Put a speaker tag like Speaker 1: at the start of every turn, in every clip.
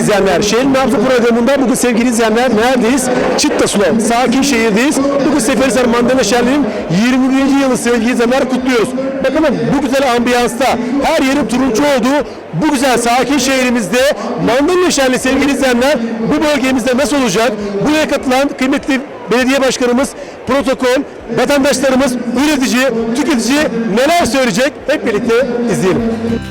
Speaker 1: izleyenler, Şehrin Nabzı programında bugün sevgili izleyenler neredeyiz? Çıttasulav, sakin şehirdeyiz. Bugün Seferihisar Mandalina Şenliği'nin 21. yılı sevgili izleyenler kutluyoruz. Bakalım bu güzel ambiyansta her yerin turuncu olduğu bu güzel sakin şehrimizde Mandalina Şenliği sevgili izleyenler bu bölgemizde nasıl olacak? Buraya katılan kıymetli belediye başkanımız, protokol, vatandaşlarımız, üretici, tüketici neler söyleyecek? Hep birlikte izleyelim.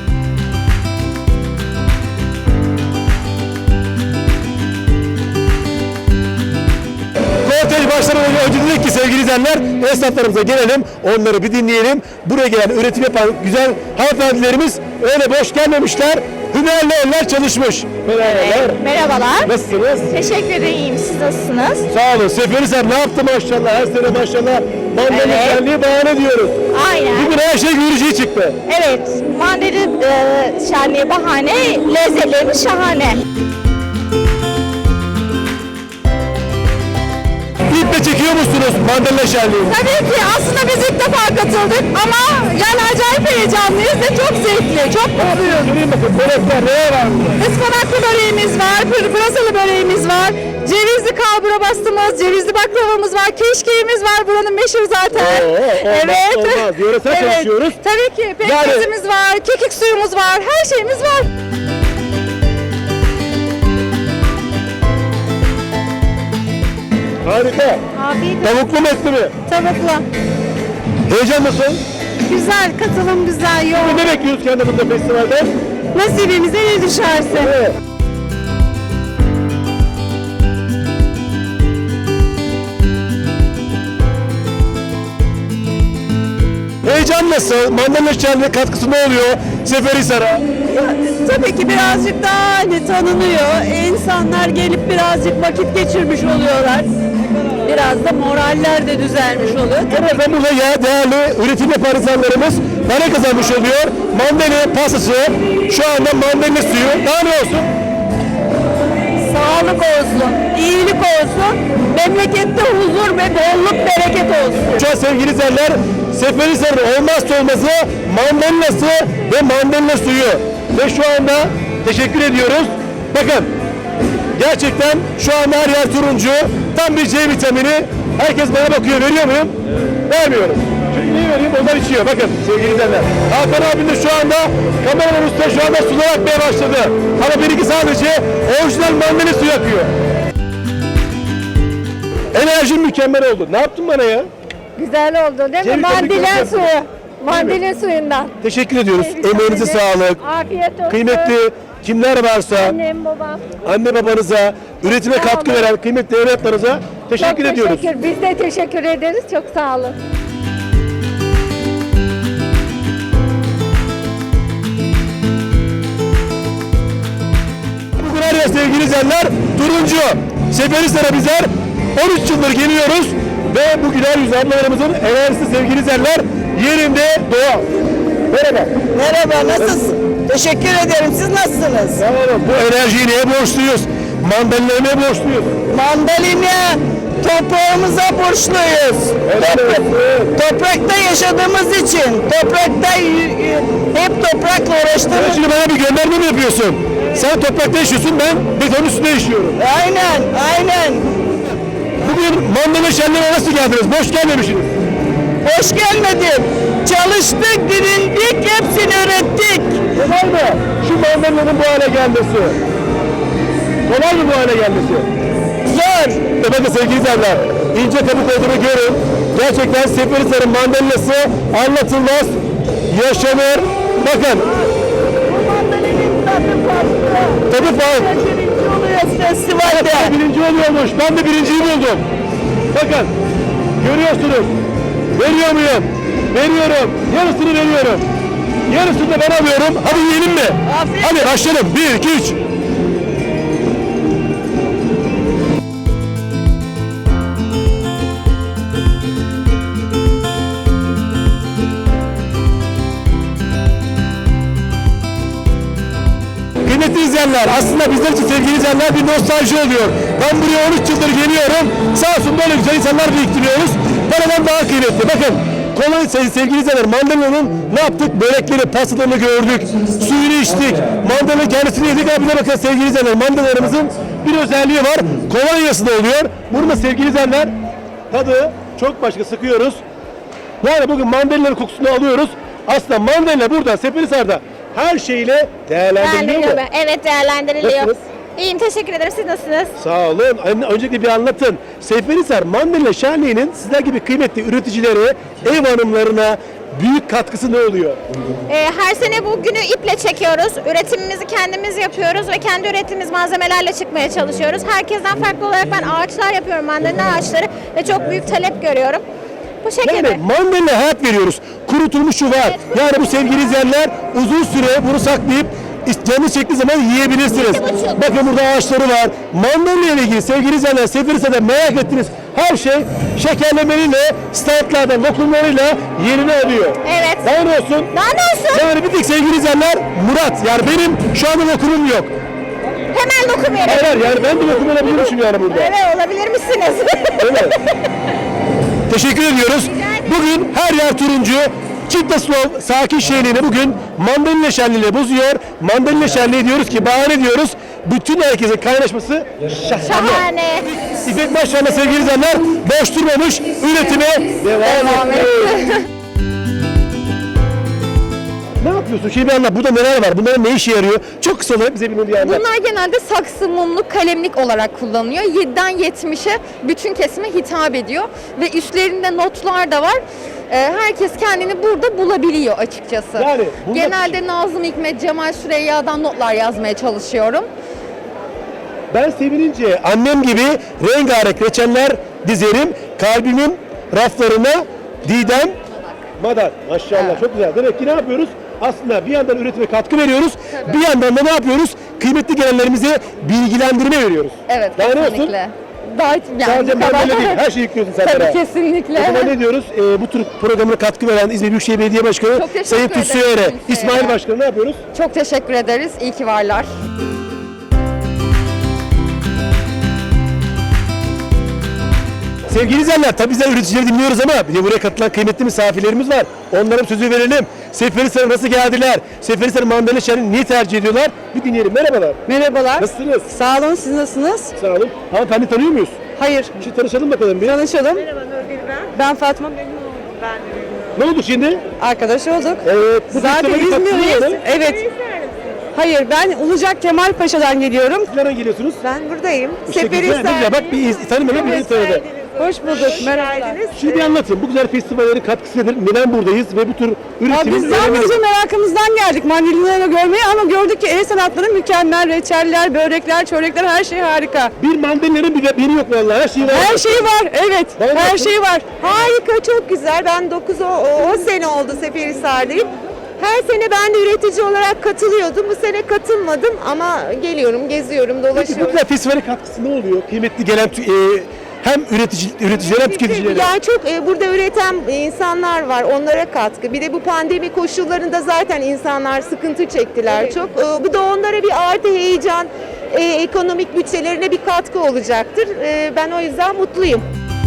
Speaker 1: Kortej başlamadan önce dedik ki sevgili izleyenler esnaflarımıza gelelim, onları bir dinleyelim. Buraya gelen üretim yapan güzel hanımefendilerimiz öyle boş gelmemişler. Hünerli eller çalışmış.
Speaker 2: Evet, merhabalar.
Speaker 1: Nasılsınız?
Speaker 2: Teşekkür ederim, iyiyim. Siz nasılsınız?
Speaker 1: Sağ olun. Seferihisar ne yaptı maşallah? Her sene maşallah Mandalina
Speaker 2: Evet.
Speaker 1: Şenliği bahane diyoruz.
Speaker 2: Aynen.
Speaker 1: Bugün her şey görücüye çıktı.
Speaker 2: Evet, mandalina şenliği bahane, lezzetlerimiz şahane.
Speaker 1: İple çekiyor musunuz Mandalina Şenliği'ni?
Speaker 2: Tabii ki aslında biz ilk defa katıldık ama yani acayip heyecanlıyız ve çok zevkli, çok mutluyuz.
Speaker 1: Göreyim bakın, börekler neye var burada?
Speaker 2: Ispanaklı böreğimiz var, pırasalı böreğimiz var, cevizli kalbura bastığımız, cevizli baklavamız var, keşkeğimiz var, buranın meşhur zaten.
Speaker 1: Olmaz. Yöresel çalışıyoruz.
Speaker 2: Tabii ki pekmezimiz var, kekik suyumuz var, her şeyimiz var.
Speaker 1: Harika.
Speaker 2: Afiyet
Speaker 1: Tavuklu mu etli mi?
Speaker 2: Tavuklu.
Speaker 1: Heyecan nasıl?
Speaker 2: Güzel, katılım güzel, yoğun.
Speaker 1: Ne bekliyoruz kendimizde festivalden?
Speaker 2: Nasibimize ne düşerse.
Speaker 1: Evet. Heyecan nasıl? Mandalina Şenliği'ne katkısı ne oluyor Seferihisar'a?
Speaker 3: Tabii ki birazcık daha hani tanınıyor. İnsanlar gelip birazcık vakit geçirmiş oluyorlar. Biraz da moraller de düzelmiş oluyor.
Speaker 1: Evet, ben burada ya değerli üretim yapan insanlarımız para kazanmış oluyor. Mandalina pastası, şu anda mandalina suyu. Daha ne olsun?
Speaker 3: Sağlık olsun, iyilik olsun, memlekette huzur ve bolluk bereket olsun.
Speaker 1: Şu an sevgili izleyenler, Seferihisar'ın olmazsa olmazı mandalinası ve mandalina suyu. Ve şu anda teşekkür ediyoruz. Bakın, gerçekten şu anda her yer turuncu. Tam bir C vitamini. Herkes bana bakıyor. Veriyor muyum? Vermiyorum. Çünkü niye vereyim? Onlar içiyor. Bakın sevgili izleyenler. Hakan abim de şu anda kameranın üstüne şu anda sular akmaya başladı. Ama benimki sadece orijinal mandalina suyu akıyor. Enerjim mükemmel oldu. Ne yaptın bana ya?
Speaker 3: Güzel oldu değil mi?
Speaker 1: Ceviz
Speaker 3: Mandalina
Speaker 1: tabii ki
Speaker 3: suyu. Mandalina suyundan.
Speaker 1: Teşekkür ediyoruz.
Speaker 3: Rica
Speaker 1: Emeğinize
Speaker 3: ederim.
Speaker 1: sağlık.
Speaker 3: Afiyet olsun.
Speaker 1: Kıymetli kimler varsa,
Speaker 3: Annem, babam.
Speaker 1: anne babanıza, üretime
Speaker 3: Sağ
Speaker 1: katkı
Speaker 3: olun.
Speaker 1: veren kıymetli evlatlarınıza teşekkür
Speaker 3: Çok
Speaker 1: ediyoruz.
Speaker 3: teşekkür. Biz de teşekkür ederiz. Çok sağ olun.
Speaker 1: Bugün her yer sevgili izleyenler turuncu. Seferihisar'a bizler 13 yıldır geliyoruz ve bu güler yüzlü ablalarımızın enerjisi sevgili izleyenler yerinde doğal. Merhaba.
Speaker 4: Merhaba, nasılsın? Teşekkür ederim. Siz nasılsınız?
Speaker 1: Sağ olun. Bu enerjiyi neye borçluyuz? Mandalina'ya neye borçluyuz?
Speaker 4: Mandalina toprağımıza borçluyuz. Toprakta yaşadığımız için, toprakta hep toprakla
Speaker 1: Sen
Speaker 4: uğraştığımız.
Speaker 1: şimdi bana bir gönderme mi yapıyorsun? Sen toprakta yaşıyorsun, ben beton üstünde yaşıyorum.
Speaker 4: Aynen, aynen.
Speaker 1: Bugün Mandalina Şenliği'ne nasıl geldiniz? Boş gelmemişsiniz.
Speaker 4: Hoş gelmedin. Çalıştık, dirildik, hepsini ürettik.
Speaker 1: Kolay mı? Şu mandalina'nın bu hale gelmesi. Kolay mı bu hale gelmesi?
Speaker 4: Zor.
Speaker 1: Bakın sevgili izleyenler, ince kabuk olduğunu görün. Gerçekten Seferihisar'ın mandalinası anlatılmaz, yaşanır. Bakın,
Speaker 4: Bu mandalinin tadı farklı.
Speaker 1: tadı farklı.
Speaker 4: Birinci oluyor festivalde.
Speaker 1: Birinci oluyormuş. Ben de birinciyi buldum. Bakın, görüyorsunuz. Veriyor muyum? Veriyorum. Yarısını veriyorum. Yarısını da ben alıyorum. Hadi yiyelim mi?
Speaker 4: Afiyet.
Speaker 1: Hadi başlayalım. 1, 2, 3. Kıymetli izleyenler, aslında bizler için sevgili izleyenler bir nostalji oluyor. Ben buraya 13 yıldır geliyorum. Sağ olsun böyle güzel insanlar biriktiriyoruz. Paradan daha kıymetli. Bakın, Kolay sevgili izleyenler, mandalina'nın ne yaptık? Börekleri, pastalarını gördük. Suyunu içtik. Mandalina kendisini yedik. Abi de bakın sevgili izleyenler, mandalinalarımızın bir özelliği var. Kolonyası da oluyor. Burada sevgili izleyenler tadı çok başka, sıkıyoruz. Yani bugün mandalina kokusunu alıyoruz. Aslında mandalina burada Seferihisar'da her şeyle değerlendiriliyor mu?
Speaker 5: Evet, değerlendiriliyor.
Speaker 1: Nasılsınız?
Speaker 5: İyiyim, teşekkür ederim. Siz nasılsınız?
Speaker 1: Sağ olun. Öncelikle bir anlatın. Seferihisar Mandalina Şenliği'nin sizler gibi kıymetli üreticilere, ev hanımlarına büyük katkısı ne oluyor?
Speaker 5: Her sene bu günü iple çekiyoruz. Üretimimizi kendimiz yapıyoruz ve kendi ürettiğimiz malzemelerle çıkmaya çalışıyoruz. Herkesten farklı olarak ben ağaçlar yapıyorum, mandalina ağaçları ve çok büyük talep görüyorum. Bu şekilde.
Speaker 1: Yani mandalina hayat veriyoruz. Kurutulmuşu var. Yani bu sevgili izleyenler uzun süre bunu saklayıp canı çektiği zaman yiyebilirsiniz. Bakın burada ağaçları var. Mandalina ile ilgili sevgili izleyenler, Seferihisar'da merak ettiğiniz her şey şekerlemeliyle, standlardan, lokumlarıyla yerini alıyor.
Speaker 5: Evet.
Speaker 1: Daha ne olsun?
Speaker 5: Daha ne olsun?
Speaker 1: Yani bir tek sevgili izleyenler Murat. Yani benim şu anda lokumum yok.
Speaker 5: Hemen lokum verelim.
Speaker 1: Hayır yani ben de lokum alabilirmişim yani burada.
Speaker 5: Evet, olabilir misiniz?
Speaker 1: Evet. Teşekkür ediyoruz. Bugün her yer turuncu. Çittaslov sakin şenliğini bugün mandalina şenliğiyle bozuyor. Mandalina şenliği diyoruz ki, bahane diyoruz. Bütün herkesin kaynaşması şahane.
Speaker 5: Şahane.
Speaker 1: İpek Başkan'la sevgili izleyenler boş durmamış, üretime devam ediyor. Ne yapıyorsun? Şimdi bir anlat. Burada neler var? Bunların ne işe yarıyor? Çok kısa olarak bize bir anlat.
Speaker 2: Bunlar genelde saksı, mumluk, kalemlik olarak kullanılıyor. 7'den 70'e bütün kesime hitap ediyor. Ve üstlerinde notlar da var. Herkes kendini burada bulabiliyor açıkçası.
Speaker 1: Yani bunda-
Speaker 2: Genelde Nazım Hikmet, Cemal Süreyya'dan notlar yazmaya çalışıyorum.
Speaker 1: Ben sevinince annem gibi rengarenk reçeller dizerim. Kalbimin raflarına Didem Madar. Maşallah çok güzel. Demek ki ne yapıyoruz? Aslında bir yandan üretime katkı veriyoruz. Bir yandan da ne yapıyoruz? Kıymetli gelenlerimize bilgilendirme veriyoruz.
Speaker 2: Evet,
Speaker 1: Daha ne olsun?
Speaker 2: kesinlikle. Daha yani
Speaker 1: Sadece
Speaker 2: bu kadar.
Speaker 1: mandalina değil, her şeyi yüklüyorsun sen
Speaker 2: Tabii
Speaker 1: beraber.
Speaker 2: kesinlikle.
Speaker 1: O zaman ne diyoruz? Bu tür programına katkı veren İzmir Büyükşehir Belediye Başkanı
Speaker 2: Çok teşekkür
Speaker 1: Sayın
Speaker 2: ederim
Speaker 1: Tutsu Yere,
Speaker 2: kimseye.
Speaker 1: İsmail Başkanı ne yapıyoruz?
Speaker 2: Çok teşekkür ederiz. İyi ki varlar.
Speaker 1: Sevgili izleyenler, tabii bizler üreticileri dinliyoruz ama bir de buraya katılan kıymetli misafirlerimiz var. Onlara sözü verelim. Seferihisar'a nasıl geldiler? Seferihisar mandalina şenliğini niye tercih ediyorlar? Bir dinleyelim. Merhabalar.
Speaker 3: Merhabalar.
Speaker 1: Nasılsınız?
Speaker 3: Sağ olun, siz nasılsınız?
Speaker 1: Sağ olun. Hanımefendi tanıyor muyuz?
Speaker 3: Hayır.
Speaker 1: Şimdi tanışalım bakalım bir.
Speaker 3: Tanışalım. Ben Fatma, memnun oldum.
Speaker 1: Ne oldu şimdi?
Speaker 3: Arkadaş olduk.
Speaker 1: Evet. Bu
Speaker 3: Zaten
Speaker 1: festivale katılıyor
Speaker 3: İzmirliyiz.
Speaker 1: mu?
Speaker 3: Evet. Hayır, ben Ulucak Kemal Paşa'dan geliyorum.
Speaker 1: Nereden geliyorsunuz?
Speaker 3: Ben buradayım.
Speaker 1: İşte güzel, ne güzel. Bak bir tanımayan bizi tanıdı.
Speaker 3: Hoş bulduk. Merhabalar.
Speaker 1: Şimdi bir anlatın. Bu güzel festivallerin katkısı nedir? Neden buradayız ve bu tür
Speaker 3: Ya
Speaker 1: üretimin
Speaker 3: biz
Speaker 1: önemi
Speaker 3: sadece
Speaker 1: nedir?
Speaker 3: merakımızdan geldik mandalinaları görmeye ama gördük ki el sanatları mükemmel. Reçeller, börekler, çörekler her şey harika.
Speaker 1: Bir mandalina'nın biri yok vallahi. Her şey var.
Speaker 3: Her şey var, evet.
Speaker 1: Vallahi
Speaker 3: Her
Speaker 1: çok-
Speaker 3: şey var.
Speaker 6: Harika, çok güzel. Ben 10 sene oldu Seferihisar'dayım. Her sene ben de üretici olarak katılıyordum. Bu sene katılmadım ama geliyorum, geziyorum,
Speaker 1: Peki bu
Speaker 6: dolaşıyorum.
Speaker 1: güzel festivale katkısı ne oluyor? Kıymetli gelen hem üreticiler hem tüketicilere.
Speaker 6: Yani çok burada üreten insanlar var, onlara katkı. Bir de bu pandemi koşullarında zaten insanlar sıkıntı çektiler çok. Bu da onlara bir artı heyecan, ekonomik bütçelerine bir katkı olacaktır. Ben o yüzden mutluyum.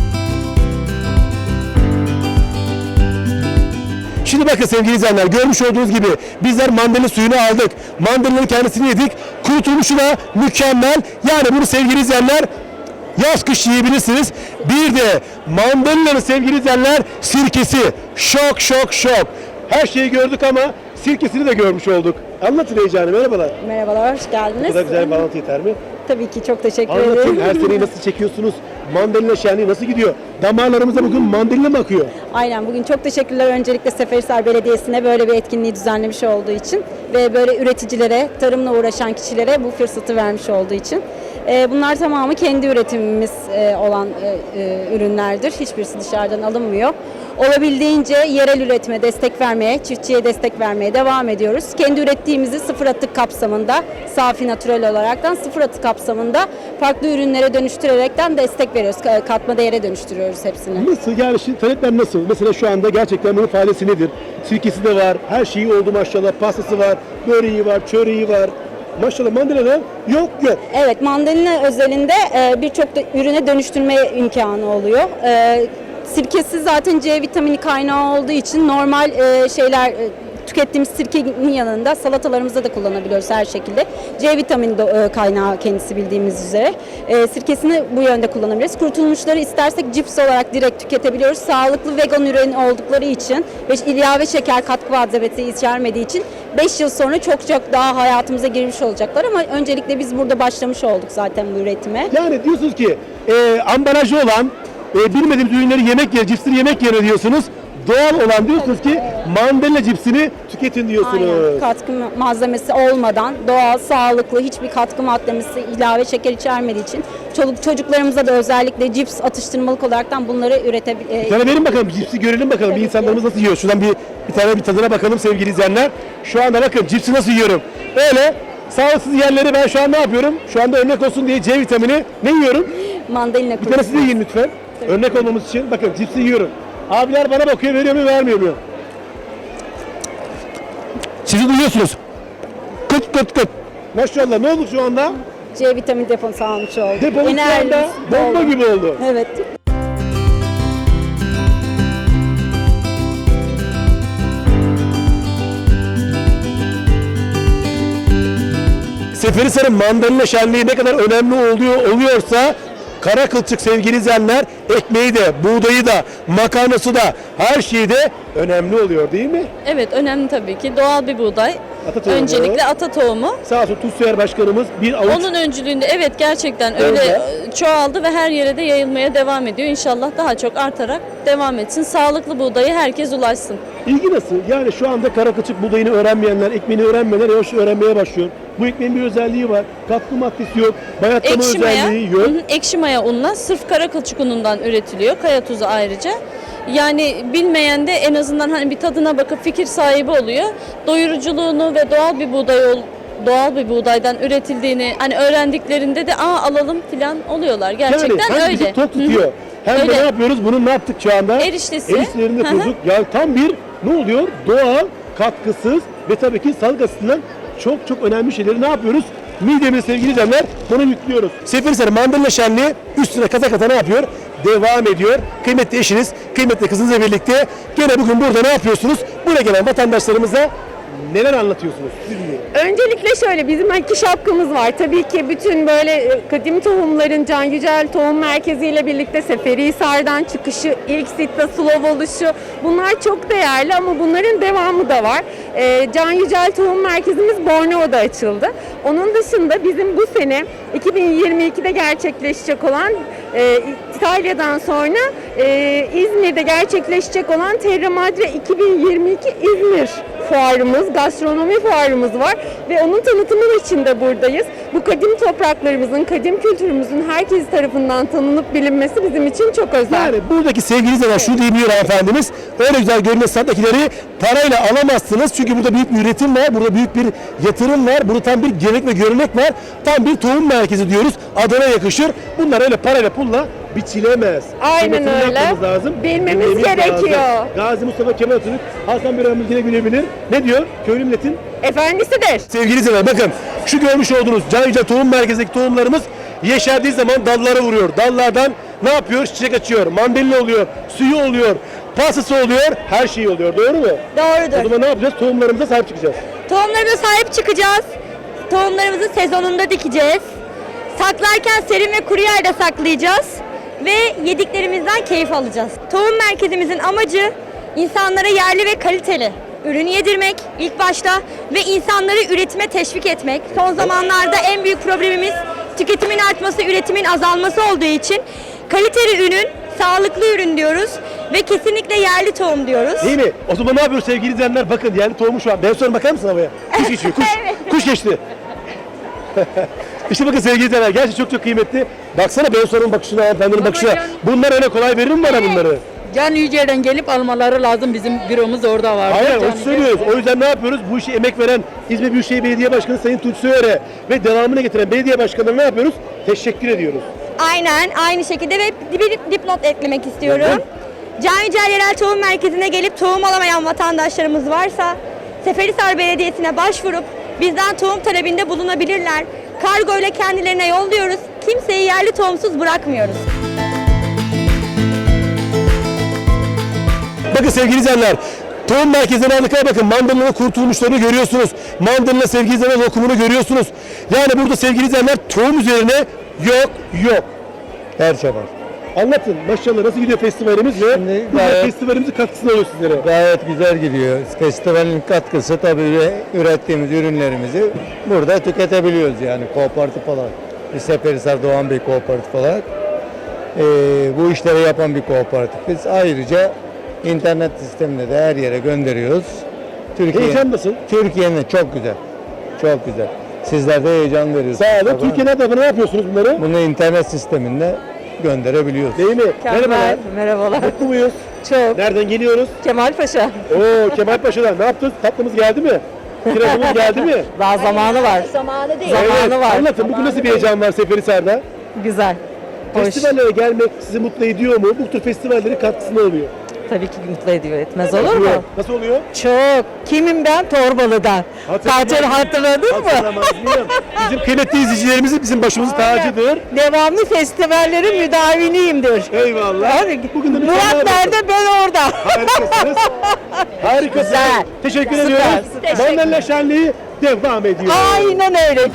Speaker 1: Şimdi bakın sevgili izleyenler, görmüş olduğunuz gibi bizler mandalina suyunu aldık. Mandalina'nın kendisini yedik. Kurutulmuşu da mükemmel. Yani bunu sevgili izleyenler yaz kış yiyebilirsiniz. Bir de mandalina'nın sevgili izleyenler sirkesi. Şok şok şok. Her şeyi gördük ama sirkesini de görmüş olduk. Anlatın heyecanı. Merhabalar.
Speaker 3: Merhabalar, hoş
Speaker 1: Bu
Speaker 3: geldiniz.
Speaker 1: kadar güzel bir bağlantı yeter mi?
Speaker 3: Tabii ki çok teşekkür
Speaker 1: Anlatın,
Speaker 3: ederim.
Speaker 1: her seneyi nasıl çekiyorsunuz? Mandalina şenliği nasıl gidiyor? Damarlarımıza bugün mandalina mı akıyor?
Speaker 7: Aynen, bugün çok teşekkürler öncelikle Seferihisar Belediyesi'ne böyle bir etkinliği düzenlemiş olduğu için ve böyle üreticilere, tarımla uğraşan kişilere bu fırsatı vermiş olduğu için. Bunlar tamamı kendi üretimimiz olan ürünlerdir. Hiçbirisi dışarıdan alınmıyor. Olabildiğince yerel üretime destek vermeye, çiftçiye destek vermeye devam ediyoruz. Kendi ürettiğimizi sıfır atık kapsamında, safi natürel olaraktan sıfır atık kapsamında farklı ürünlere dönüştürerekten destek veriyoruz. Katma değere dönüştürüyoruz hepsini.
Speaker 1: Nasıl yani şimdi talepler nasıl? Mesela şu anda gerçekten bunun faaliyeti nedir? Sirkesi de var, her şeyi oldu maşallah, pastası var, böreği var, çöreği var. Maşallah mandalina yok.
Speaker 7: Evet, mandalina özelinde birçok da ürüne dönüştürme imkanı oluyor. Sirkesi zaten C vitamini kaynağı olduğu için normal tükettiğimiz sirkenin yanında salatalarımızda da kullanabiliyoruz her şekilde. C vitamini kaynağı kendisi bildiğimiz üzere. Sirkesini bu yönde kullanabiliriz. Kurutulmuşları istersek cips olarak direkt tüketebiliyoruz. Sağlıklı vegan ürün oldukları için ve ilave şeker katkı maddesi içermediği için 5 yıl sonra çok çok daha hayatımıza girmiş olacaklar ama öncelikle biz burada başlamış olduk zaten bu üretime.
Speaker 1: Yani diyorsunuz ki ambalajı olan bilmediğimiz ürünleri yemek yer, cipsleri yemek yerine diyorsunuz. Doğal olan diyorsunuz ki mandalina cipsini tüketin diyorsunuz.
Speaker 7: Aynen. Katkı malzemesi olmadan doğal, sağlıklı, hiçbir katkı maddesi, ilave şeker içermediği için çocuklarımıza da özellikle cips atıştırmalık olaraktan bunları üretebiliriz.
Speaker 1: Bir tane verin bakalım, cipsi görelim bakalım. Bir insanlarımız nasıl yiyor? Şuradan bir tane tadına bakalım sevgili izleyenler. Şu anda bakın cipsi nasıl yiyorum. Öyle sağlıksız yerleri ben şu an ne yapıyorum? Şu anda örnek olsun diye C vitamini ne yiyorum?
Speaker 7: Mandalina
Speaker 1: Bir tanesi de yiyin lütfen. Örnek olmamız için. Bakın cipsi yiyorum. Abiler bana bakıyor, veriyor mu vermiyor mu? Sizi duyuyorsunuz. Kıt kıt kıt. Maşallah, ne oldu şu anda?
Speaker 7: C vitamini deposu almış olduk.
Speaker 1: Depomuz şu anda
Speaker 7: Enerjimiz
Speaker 1: bomba
Speaker 7: oldu.
Speaker 1: gibi oldu.
Speaker 7: Evet.
Speaker 1: Seferihisar'ın mandalina şenliği ne kadar önemli oluyorsa kara kılçık sevgili izleyenler ekmeği de, buğdayı da, makarnası da her şeyi de önemli oluyor değil mi?
Speaker 3: Evet, önemli tabii ki. Doğal bir buğday.
Speaker 1: Ata tohumu.
Speaker 3: Öncelikle ata tohumu.
Speaker 1: Sağ olsun TUSİAD Başkanımız bir avuç
Speaker 3: Onun öncülüğünde evet gerçekten
Speaker 1: Öyle.
Speaker 3: öyle çoğaldı ve her yere de yayılmaya devam ediyor. İnşallah daha çok artarak devam etsin. Sağlıklı buğdayı herkes ulaşsın.
Speaker 1: ilgi nasıl? Yani şu anda kara kılçık buğdayını öğrenmeyenler, ekmeğini öğrenmeyenler yavaş öğrenmeye başlıyor. Bu ekmeğin bir özelliği var. Katkı maddesi yok, bayatlama
Speaker 3: Ekşi maya,
Speaker 1: özelliği yok.
Speaker 3: ekşi maya unla sırf kara kılçık unundan üretiliyor. Kaya tuzu ayrıca. Yani bilmeyen de en azından hani bir tadına bakıp fikir sahibi oluyor. Doyuruculuğunu ve doğal bir buğdaydan üretildiğini hani öğrendiklerinde de alalım falan oluyorlar. Gerçekten
Speaker 1: yani hem bizi
Speaker 3: öyle.
Speaker 1: tok tutuyor. Hem de
Speaker 3: Öyle.
Speaker 1: ne yapıyoruz? Bunu ne yaptık şu anda?
Speaker 3: Eriştesi.
Speaker 1: Eriştelerini de
Speaker 3: Hı hı.
Speaker 1: kurduk. Yani tam bir ne oluyor? Doğal, katkısız ve tabii ki sağlık açısından çok çok önemli şeyleri ne yapıyoruz? Midemize sevgili izleyenler bunu yüklüyoruz. Seferihisar Mandalina Şenliği üstüne kata kata ne yapıyor? Devam ediyor. Kıymetli eşiniz, kıymetli kızınızla birlikte gene bugün burada ne yapıyorsunuz? Buraya gelen vatandaşlarımıza neler anlatıyorsunuz? Siz dinleyin.
Speaker 6: Öncelikle şöyle bizim iki şapkamız var. Tabii ki bütün böyle kadim tohumların Can Yücel Tohum Merkezi ile birlikte Seferihisar'dan çıkışı, ilk Sitta Sulov oluşu bunlar çok değerli ama bunların devamı da var. Can Yücel Tohum Merkezimiz Borneo'da açıldı. Onun dışında bizim bu sene 2022'de gerçekleşecek olan İtalya'dan sonra İzmir'de gerçekleşecek olan Terra Madre 2022 İzmir fuarımız, gastronomi fuarımız var ve onun tanıtımı için de buradayız. Bu kadim topraklarımızın, kadim kültürümüzün herkes tarafından tanınıp bilinmesi bizim için çok özel.
Speaker 1: Yani buradaki sevgili izleyenler şunu diyebiliyor efendimiz. Öyle güzel görünen standdakileri parayla alamazsınız. Çünkü burada büyük bir üretim var. Burada büyük bir yatırım var. Burada tam bir gelenek ve görenek var. Tam bir tohum merkezi diyoruz. Adına yakışır. Bunlar öyle parayla pulla biçilemez.
Speaker 6: Aynen
Speaker 1: Kıymetini
Speaker 6: öyle.
Speaker 1: yapmamız lazım.
Speaker 6: Bilmemiz
Speaker 1: Bilmemiz
Speaker 6: gerekiyor.
Speaker 1: lazım. Gazi Mustafa Kemal Atatürk, Hasan bir yine gülebilir. Ne diyor? Köylü milletin
Speaker 6: Efendisidir.
Speaker 1: sevgili izleyenler bakın şu görmüş olduğunuz Can Yücel Tohum Merkezi'ndeki tohumlarımız yeşerdiği zaman dallara vuruyor. Dallardan ne yapıyor? Çiçek açıyor. Mandalina oluyor. Suyu oluyor. Pastası oluyor. Her şey oluyor. Doğru mu? O
Speaker 8: Doğrudur.
Speaker 1: zaman ne yapacağız? Tohumlarımıza sahip çıkacağız.
Speaker 8: Tohumlarımıza sahip çıkacağız. Tohumlarımızı sezonunda dikeceğiz. Saklarken serin ve kuru yerde saklayacağız. Ve yediklerimizden keyif alacağız. Tohum merkezimizin amacı insanlara yerli ve kaliteli ürün yedirmek ilk başta ve insanları üretime teşvik etmek. Son zamanlarda en büyük problemimiz tüketimin artması, üretimin azalması olduğu için kaliteli ürün, sağlıklı ürün diyoruz ve kesinlikle yerli tohum diyoruz.
Speaker 1: Değil mi? O zaman ne yapıyoruz sevgili izleyenler? Bakın yani tohumu şu an. Ben sonra bakar mısın havaya? Kuş geçiyor. Kuş. Kuş geçti. İşte bakın sevgili izleyenler. Gerçekten çok çok kıymetli. Baksana ben sorunun bakışına, hanımefendinin bakışına. Bunlar öyle kolay verir mi bana bunları?
Speaker 9: Can Yücel'den gelip almaları lazım. Bizim büromuz orada var.
Speaker 1: Hayır, onu söylüyoruz. O yüzden ne yapıyoruz? Bu işe emek veren İzmir Büyükşehir Belediye Başkanı Sayın Tunç Soyer'e ve devamını getiren belediye başkanlarına ne yapıyoruz? Teşekkür ediyoruz.
Speaker 8: Aynen aynı şekilde ve bir dipnot eklemek istiyorum.
Speaker 1: Neden?
Speaker 8: Can Yücel Yerel Tohum Merkezi'ne gelip tohum alamayan vatandaşlarımız varsa Seferihisar Belediyesi'ne başvurup bizden tohum talebinde bulunabilirler. Kargo ile kendilerine yolluyoruz. Kimseyi yerli tohumsuz bırakmıyoruz.
Speaker 1: Bakın sevgili izleyenler, tohum merkezine aldıklara bakın, mandalina kurtulmuşlarını görüyorsunuz. Mandalina sevgili izleyenler lokumunu görüyorsunuz. Yani burada sevgili izleyenler tohum üzerine yok.
Speaker 10: Her şey var.
Speaker 1: Anlatın maşallah nasıl gidiyor festivalimiz ve bu festivalimizin katkısını alıyor sizlere.
Speaker 10: Gayet güzel gidiyor. Festivalin katkısı tabii ürettiğimiz ürünlerimizi burada tüketebiliyoruz yani kooperatif olarak. Biz Seferihisar Doğan Bey kooperatif olarak bu işleri yapan bir kooperatifiz. Ayrıca internet sisteminde de her yere gönderiyoruz.
Speaker 1: Heyecan nasıl?
Speaker 10: Türkiye'nin çok güzel. Çok güzel. Sizler de heyecan veriyorsunuz.
Speaker 1: Sağ olun. Türkiye nerede? Ne yapıyorsunuz bunları?
Speaker 10: Bunu internet sisteminde gönderebiliyoruz.
Speaker 1: Değil mi? Merhabalar.
Speaker 6: Merhabalar.
Speaker 1: Mutlu muyuz?
Speaker 6: Çok.
Speaker 1: Nereden geliyoruz?
Speaker 6: Kemal Paşa.
Speaker 1: Oo Kemal Paşa'dan. Ne yaptınız? Tatlımız geldi mi? Kirazımız geldi mi?
Speaker 6: Daha zamanı var.
Speaker 8: Zamanı değil.
Speaker 6: Zamanı var.
Speaker 1: Anlatın. Bugün nasıl bir heyecan var Seferihisar'da?
Speaker 6: Güzel. Hoş.
Speaker 1: Festivallere gelmek sizi mutlu ediyor mu? Bu tür festivallerin katkısını alıyor.
Speaker 6: Tabii ki mutlu ediyor. Etmez olur mu?
Speaker 1: Nasıl oluyor?
Speaker 6: Çok. Kimim ben? Torbalı'dan. Hatırladın mı?
Speaker 1: Hatırlamaz mıyım? Bizim kıymetli izleyicilerimiz bizim başımızın tacıdır.
Speaker 6: Devamlı festivallerin müdaviniyimdir.
Speaker 1: Eyvallah.
Speaker 6: Hadi.
Speaker 1: Bugün de bir
Speaker 6: Murat
Speaker 1: tane
Speaker 6: nerede? Ben orada.
Speaker 1: Harikasınız. Harikasınız.
Speaker 6: Güzel.
Speaker 1: Teşekkür
Speaker 6: Süper,
Speaker 1: ediyoruz.
Speaker 6: süper.
Speaker 1: Mandalina şenliği devam ediyor.
Speaker 6: Aynen öyle.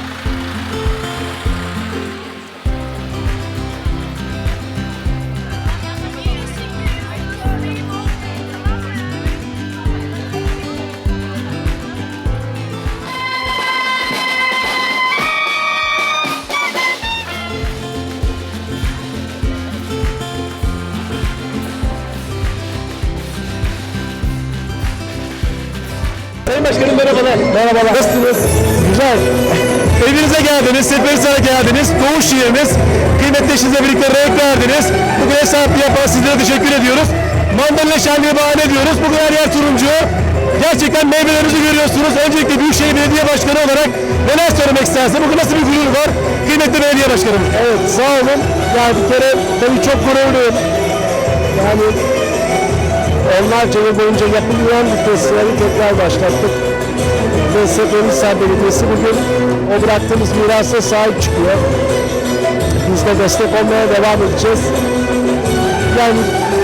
Speaker 1: Sayın Başkanım merhabalar. Merhabalar. Nasılsınız? Güzel. Evinize geldiniz, Seferihisar'a geldiniz. Doğuş şiirimiz. Kıymetli eşinizle birlikte renk verdiniz. Bugün ev sahipliği yapan sizlere teşekkür ediyoruz. Mandalina şenliği bahane ediyoruz. Bugün her yer turuncu. Gerçekten meyvelerinizi görüyorsunuz. Öncelikle Büyükşehir Belediye Başkanı olarak neler söylemek istersiniz? Bugün nasıl bir gurur var? Kıymetli belediye başkanım. Evet sağ olun. Yani bir kere tabii çok gururluyum. Yani onlarca yıl boyunca yapılmayan bir festivali tekrar başlattık. Ve Seferihisar Belediyesi bugün o bıraktığımız mirasa sahip çıkıyor. Biz de destek olmaya devam edeceğiz. Yani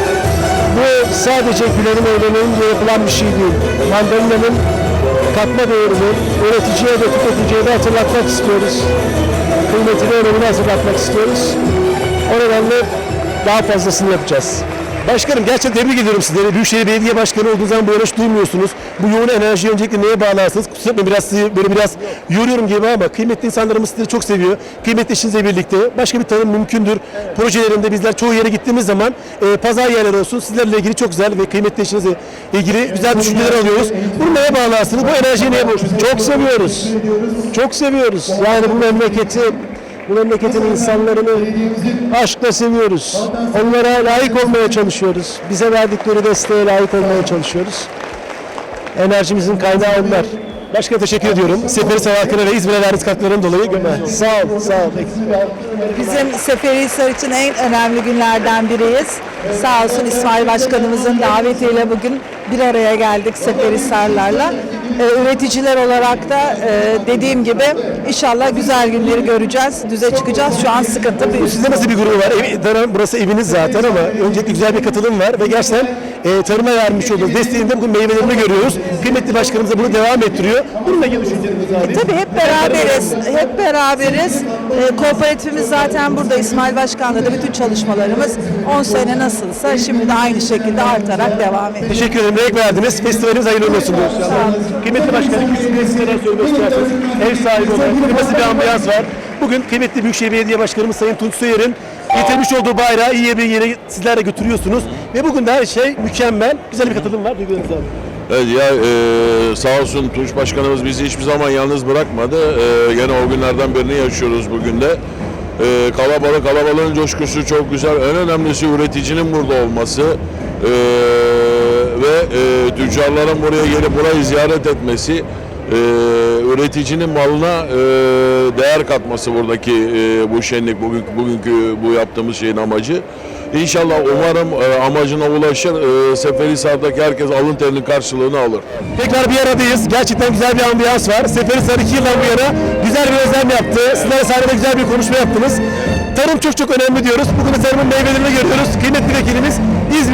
Speaker 1: bu sadece gülenin eğlenenin diye yapılan bir şey değil. Mandalina'nın katma değerini üreticiye ve tüketiciye de hatırlatmak istiyoruz. Kıymetini, önemini hatırlatmak istiyoruz. O nedenle daha fazlasını yapacağız. Başkanım gerçekten tebrik ediyorum sizleri. Büyükşehir Belediye Başkanı olduğunuz zaman böyle hiç duymuyorsunuz. Bu yoğun enerjiyi öncelikle neye bağlarsınız? Kusura bakmayın biraz sizi böyle biraz yoruyorum gibi ama kıymetli insanlarımız sizleri çok seviyor. Kıymetli eşinizle birlikte başka bir tanım mümkündür. Projelerinde bizler çoğu yere gittiğimiz zaman pazar yerleri olsun sizlerle ilgili çok güzel ve kıymetli eşinizle ilgili güzel düşünceler alıyoruz. Bunu neye bağlarsınız? Bu enerjiyi neye borçlusunuz?
Speaker 10: Çok seviyoruz. Çok seviyoruz. Yani bu memleketin insanlarını aşkla seviyoruz. Onlara layık olmaya çalışıyoruz. Bize verdikleri desteğe layık olmaya çalışıyoruz. Enerjimizin kaynağı onlar.
Speaker 1: Başka teşekkür ediyorum. Seferihisar halkına ve İzmir'e verdiğiniz katkılarından dolayı.
Speaker 10: Sağ ol, sağ ol.
Speaker 6: Bizim Seferihisar için en önemli günlerden biriyiz. Sağ olsun İsmail Başkanımızın davetiyle bugün bir araya geldik Seferihisarlarla. Üreticiler olarak da dediğim gibi inşallah güzel günleri göreceğiz, düze çıkacağız. Şu an sıkıntı büyük.
Speaker 1: Sizde nasıl bir gurur var? Burası eviniz zaten ama öncelikle güzel bir katılım var ve gerçekten tarıma vermiş olduğunuz desteğinde bugün meyvelerini görüyoruz. Kıymetli başkanımız da bunu devam ettiriyor. Bununla ilgili düşüncelerinizi alayım.
Speaker 6: Tabii hep beraberiz. Kooperatifimiz zaten burada. İsmail Başkan'la da bütün çalışmalarımız 10 sene nasılsa şimdi de aynı şekilde artarak devam ediyor.
Speaker 1: Teşekkür ederim. Renk verdiniz. Festivalimiz hayırlı olsun diyoruz. Kıymetli başkanım, siz neler söylemek istersiniz? Ev sahibi olarak nasıl bir ambiyans var? Bugün kıymetli Büyükşehir Belediye Başkanımız Sayın Tunç Soyer'in getirmiş olduğu bayrağı iyi bir yere sizler de götürüyorsunuz. Ve bugün de her şey mükemmel. Güzel bir katılım var. Duygularınızı alayım.
Speaker 11: Evet ya sağ olsun Tunç Başkanımız bizi hiçbir zaman yalnız bırakmadı. Gene o günlerden birini yaşıyoruz bugün de. Kalabalığın coşkusu çok güzel. En önemlisi üreticinin burada olması ve tüccarların buraya gelip burayı ziyaret etmesi. Üreticinin malına değer katması buradaki bu şenlik, bugünkü bu yaptığımız şeyin amacı. İnşallah umarım amacına ulaşır. Seferihisar'daki herkes alın terinin karşılığını alır.
Speaker 1: Tekrar bir aradayız. Gerçekten güzel bir ambiyans var. Seferihisar 2 yıldan bu yana güzel bir özlem yaptı. Sizler sahnede güzel bir konuşma yaptınız. Tarım çok önemli diyoruz. Bugün de tarımın meyvelerini görüyoruz. Kıymetli vekilimiz İzmir'in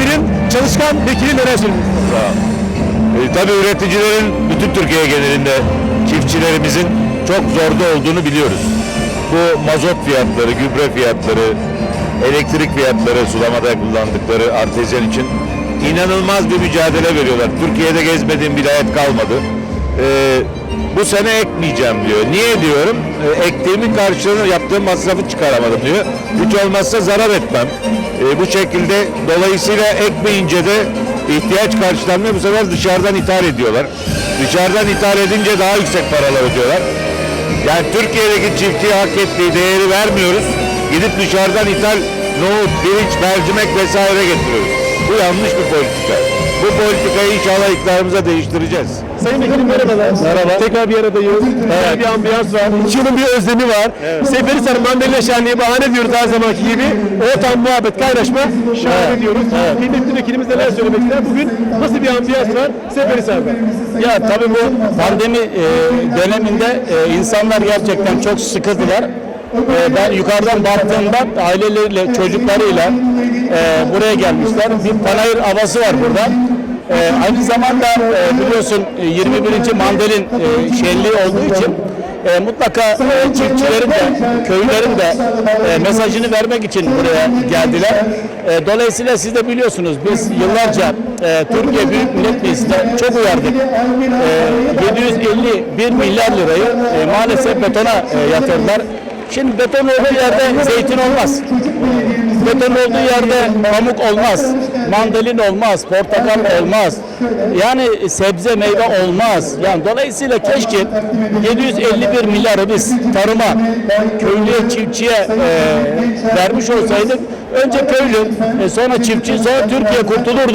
Speaker 1: çalışkan vekili neler söylüyorsunuz?
Speaker 10: Tabii üreticilerin bütün Türkiye genelinde çiftçilerimizin çok zorda olduğunu biliyoruz. Bu mazot fiyatları, gübre fiyatları, elektrik fiyatları, sulamada kullandıkları artezyen için inanılmaz bir mücadele veriyorlar. Türkiye'de gezmediğim vilayet kalmadı. Bu sene ekmeyeceğim diyor. Niye diyorum? Ektiğimin karşılığını yaptığım masrafı çıkaramadım diyor. Hiç olmazsa zarar etmem. Bu şekilde dolayısıyla ekmeyince de ihtiyaç karşılanmıyor. Bu sefer dışarıdan ithal ediyorlar. Dışarıdan ithal edince daha yüksek paralar ödüyorlar. Yani Türkiye'deki çiftçiye hak ettiği değeri vermiyoruz. Gidip dışarıdan ithal nohut, pirinç, mercimek vesaire getiriyoruz. Bu yanlış bir politika. Bu politikayı inşallah iktidarımıza değiştireceğiz.
Speaker 1: Sayın Vekilim merhabalar. Merhaba. Tekrar bir aradayız. Güzel bir ambiyans var. İçinin bir özlemi var. Seferihisar Mandalina Şenliği bahane diyoruz her zamanki gibi. Ortam, muhabbet, kaynaşma şahane diyoruz. Kıymetli vekilimiz neler söylemek ister? Bugün nasıl bir ambiyans var Seferihisar'da?
Speaker 10: Ya tabii bu pandemi döneminde insanlar gerçekten çok sıkıldılar. Ben yukarıdan baktığımda aileleriyle, çocuklarıyla buraya gelmişler. Bir panayır havası var burada. Aynı zamanda biliyorsun 21. Mandalin şenliği olduğu için mutlaka çiftçilerin de, köylerin de mesajını vermek için buraya geldiler. Dolayısıyla siz de biliyorsunuz biz yıllarca Türkiye Büyük Millet Meclisi'nde çok uyardık. 751 milyar lirayı maalesef betona yatırdılar. Şimdi beton olduğu yerde zeytin olmaz. Beton olduğu yerde pamuk olmaz. Mandalin olmaz, portakal olmaz. Yani sebze meyve olmaz. Yani dolayısıyla keşke 751 milyarı biz tarıma, köylüye, çiftçiye vermiş olsaydık önce köylü, sonra çiftçi, sonra Türkiye kurtulurdu.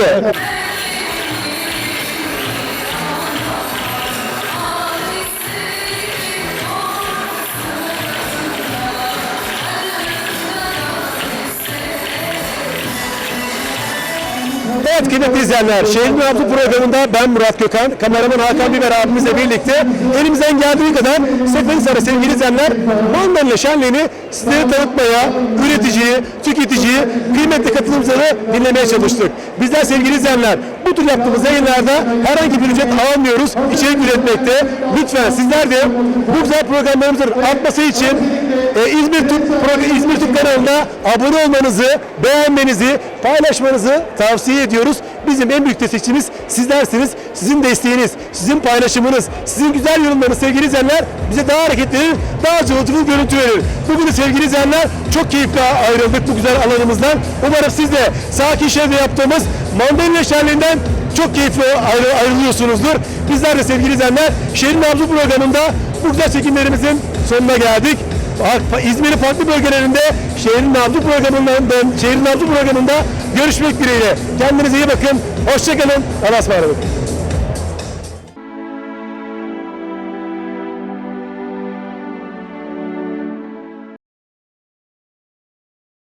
Speaker 1: Evet kıymetli izleyenler, Şehrin Nabzı programında ben Murat Gökhan, kameraman Hakan Biber abimizle birlikte elimizden geldiği kadar Seferihisar'a sevgili izleyenler Mandalina Şenliği'ni sizlere tanıtmaya, üreticiyi, tüketiciyi, kıymetli katılımcıları dinlemeye çalıştık. Bizler sevgili izleyenler bu tür yaptığımız yayınlarda herhangi bir ücret almıyoruz, içerik üretmekte. Lütfen sizler de bu güzel programlarımızın artması için İzmir Türk kanalına abone olmanızı, beğenmenizi, paylaşmanızı tavsiye ediyoruz. Bizim en büyük destekçimiz sizlersiniz. Sizin desteğiniz, sizin paylaşımınız, sizin güzel yorumlarınız sevgili izleyenler bize daha hareketli, daha cıvıltılı görüntü verir. Bugün de sevgili izleyenler çok keyifli ayrıldık bu güzel alanımızdan. Umarım siz de sakin şehirde yaptığımız Mandalina Şenliği'nden çok keyifli ayrılıyorsunuzdur. Bizler de sevgili izleyenler Şehrin Nabzı programında bu güzel çekimlerimizin sonuna geldik. İzmir'in farklı bölgelerinde Şehrin Nabzı programında görüşmek dileğiyle. Kendinize iyi bakın. Hoşça kalın. Allah'a ısmarladık.